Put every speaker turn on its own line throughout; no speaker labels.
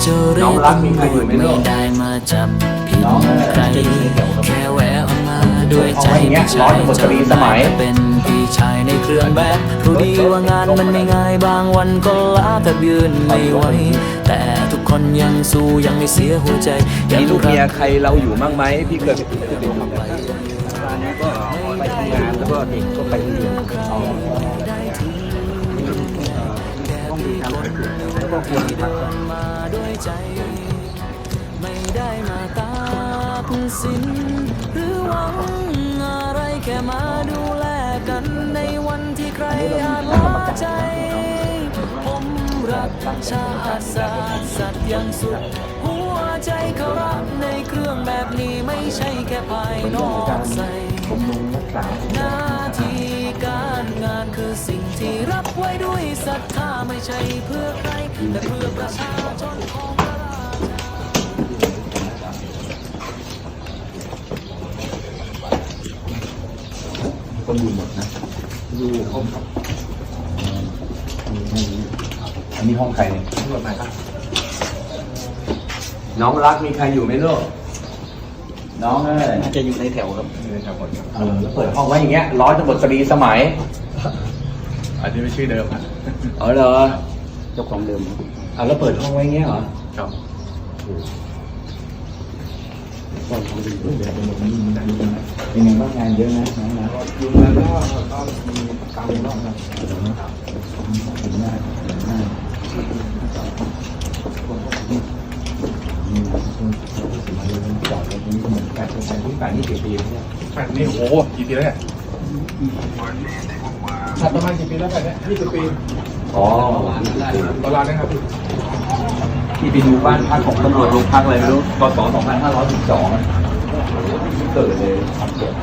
จะเรียกตำรวจไม่ได้มาจับผิดใครแค่แวะออกมาด้วยใจไม่ใช่จะได้แต่เป็นพี่ชายในเครื่องแบบรู้ดีว่างานมันไม่ง่ายบางวันก็ล้าแต่ยืนไม่ไหวแต่ทุกคนยังสู้ยังไม่เสียหัวใจ
มีลูกเมียใครเราอยู่บ้างไหมพี่เคยไปทำงานแล้วก็เด็กก็ไปเรียนแล้วก็ควรพัก
มาด้วยใจไม่ได้มาตัดสินหรือหวังอะไรแค่มาดูแลกันในวันที่ใครอาจล้าใจผมรักชาติศาสตร์สัตย์อย่างสุดหัวใจเขารักในเครื่องแบบนี้ไม่ใช่แค่ภายนอกใส่หน้าที่การงานคือสิ่งที่รับไว้ด้วยศรัทธาไม่ใช่เพื่อใครแต่เพื่อประชาชนของพระราชา
คนอยู่หมดนะอยู่ห้องครับอันนี้ห้องใครเนี่ยห้องไหนครับน้องรักมีใครอยู่ไหมลูกน้องน่าจะอยู่ในแถวครับในแถวหมดแล้วเปิดห้องไว้อย่างเงี้ยร้อยตำรวจตรีสมัย
อันนี้ไม่ชื่อเดิมอ่ะ
อ๋อเหรอเจ้าของเดิมแล้วเปิดห้องไว้อย่างเงี้ยเหรอ
ครับ
ตอนทำดีด้วยเดี๋ยวเป็นแบบนี้เป็นไงบ้างงานเยอะนะน้องนะ
อยู่แล้วก็มีตามรอบครับ
ถึงหน้าจอดตรงนี้ก็เหมือนกันแต่ที่ป่านนี่กี่ปีแล้วเนี่ย
แบบนี้โอ้โหกี่ปีแล้วเนี่ยถัดประมาณกี่ปีแล้วแบบนี้20 ปี
อ๋อ
ตลาดนะครับ
ที่ไปดูบ้านพักของตำรวจโรงพักอะไรไม่รู้กศ2512เกิดเลยทำเกิด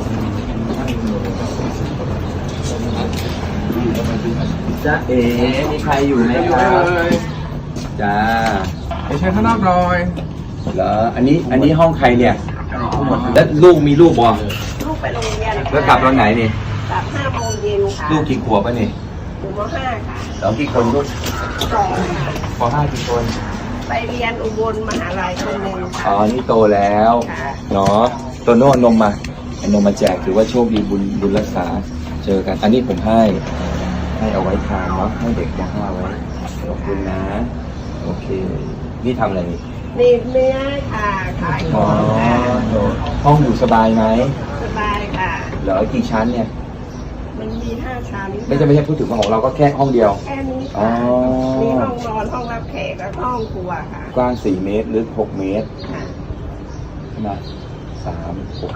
จ้ามีใครอยู่ไหมครับจ้า
ไปใช้ข้างนอกหน่อย
เหรออันนี้ห้องใครเนี่ยแล้วลูกมีลูกบ่
ลูกไปโรงเรียน
แล้วกลับตอนไหนนี่
กลับ5 โมงเย็นค่ะ
ลูกกี่ขวบป่ะนี่
อยู่ม.5 ค่ะ
แล้วกี่คนลูก
2
ป.5 กี่คน
ไปเรียนอุบลมหาลัยคนหนึ่ง
อ๋อนี่โตแล้วเนาะตัวโน้นมมาแจกถือว่าโชคดีบุญรักษาเจอกันอันนี้ผมให้เอาไว้ทานเนาะให้เด็กม.5ไว้ขอบคุณนะโอเคนี่ทำอะไรนี่
นี่เนื้อค่ะขายของค่ะ
ห้องอยู่สบายไหม
สบายค่ะ
เหลือกี่ชั้นเนี่ย
มันมี5 ชั้น
ไม่ใช่พูดถึงของเราก็แค่ห้องเดียว
แค่นี้ค่ะมีห้องนอนห้องรับแขกและห้องครัวค่ะ
กว้าง4 เมตรลึก6 เมตรนะ3 6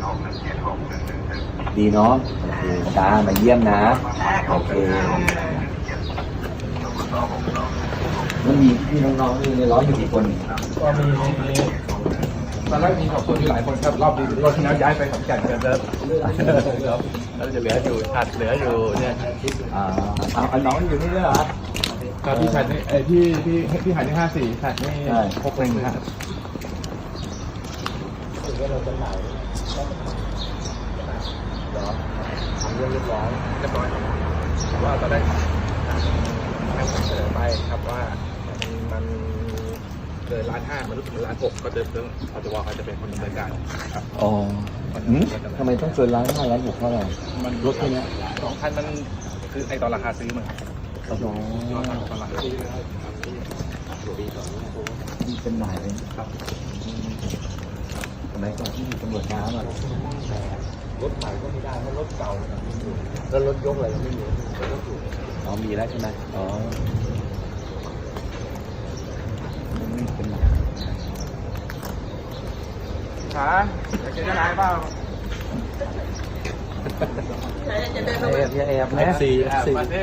ดีเนาะโอเคตามาเยี่ยมนะโอเคมันมีพี่น้องๆในร้อยอยู่กี่คน
ก็มีตอนแรกมี2 คนอยู่หลายคนครับรอบที่แล้วย้ายไปขอนแก่นกันแล้วจะเหลืออยู่เนี่ย
เอาน้องอยู่นี่ด้วยเหรอ
ครับพี่ชายนี่พี่หายที่54ชายนี่61นะ
ทำเรื่องเรียบร้อย
ว่าตอนแรกให้ผมเสนอไปครับว่ามันเกิน1.5 มันรู้สึก1.6 ก็จะเรื่องเขาจะเป็นคนดำเนินการครับ
อ๋อทำไมต้องเกิน1.5 1.6เท่าไหร่
มันรถแค่นี้2 คันมันคือไอตอนราคาซื้อมัน
ตอนราคาซื้อเป็นหมายเลยครับทำไมก่อนที่มีตำรวจน้ำรถใหม่ก็ไม่ได้เพราะรถเก่าแล้วรถยกอะไรไม่มีอ๋อมีแล้วใช่ไหมอ๋อไม่เป็นไร
ขาอยากจะได้เปล่า
แอบ
นะ4มาเท่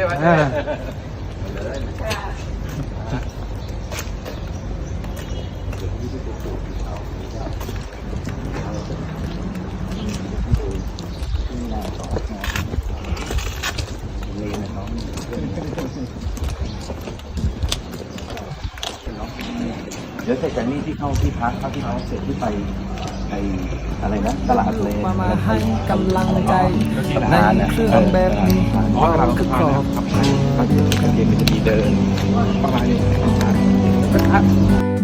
เดี๋ยวเสร็จจากนี้ที่เข้าที่พักที่เขาเสร็จที่ไปอะไรนะตลาดเลย
มาให้กำลังใจในเครื่องแบบนี้
คือครอบ
ก็เดี๋ยวมันจะมีเดิน
ประมาณนี้